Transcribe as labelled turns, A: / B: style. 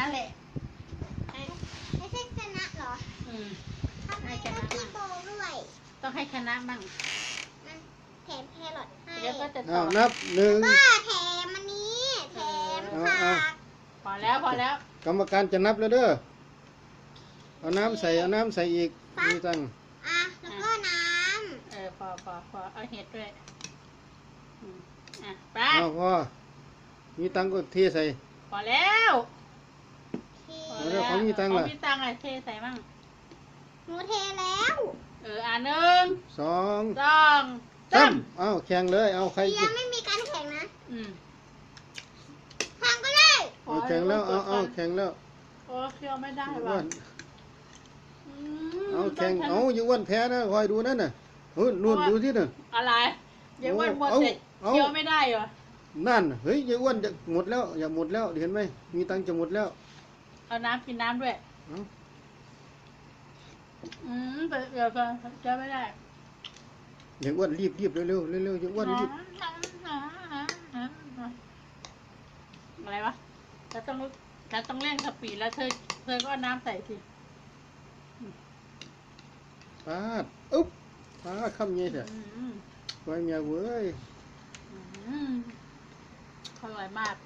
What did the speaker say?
A: นั่นแหละ
B: ไม่ใช่ชนะเหรอทำไมต้องขี้โกงด้วย
A: ต้องให้ชนะมั่ง
B: แถมแครอทให้
A: เดี๋ยวก็จะต่อ
C: นับหนึ่ง
B: ก็แถมอันนี้แถมผัก
A: พอแล้ว
C: กรรมการจะนับแล้วเด้อเอาน้ำใส่อีกมีตัง
B: แล้วก็น้
A: ำพอเอาเห็ดด้วยไป
C: พอมีตังก็เทใส่
A: พอแล้ว
C: ของมีตังล่ะ
A: มีตังอะไรเทใส่มั่ง
B: หนูเทแล้ว
A: หนึ่ง
C: สอง
A: สาม
C: แข่งเลยเอาใคร
B: ยังไม่มีการแข่งนะแข่งก็ได้
C: แข่งแล้วเอาแข่งแล้ว
A: โอ้เคี้ยวไม่ได้ว่ะ
C: แข่งอยู่อ้วนแพ้นะคอยดูนั่นน่ะนู่นดูที่น่ะ
A: อะไรยังอ้วนหมดเสร็จเคี้ยวไม่ได้เหรอ
C: นั่นเฮ้ยยังอ้วนจะหมดแล้วอย่าหมดแล้วเห็นไหมมีตังจะหมดแล้ว
A: เอาน้ำกินน้ำด้วยเดี๋ยวเคี้ยวไม่ได้
C: ยังอ้วนรีบเร็วยังอ้วนรีบ
A: อะไรวะฉันต้องเร่งสปีดแล้วเธอก็น้ำใส่สิ
C: ปาดคำนี้เถอะไว้เมียเว้ย
A: อร่อยมาก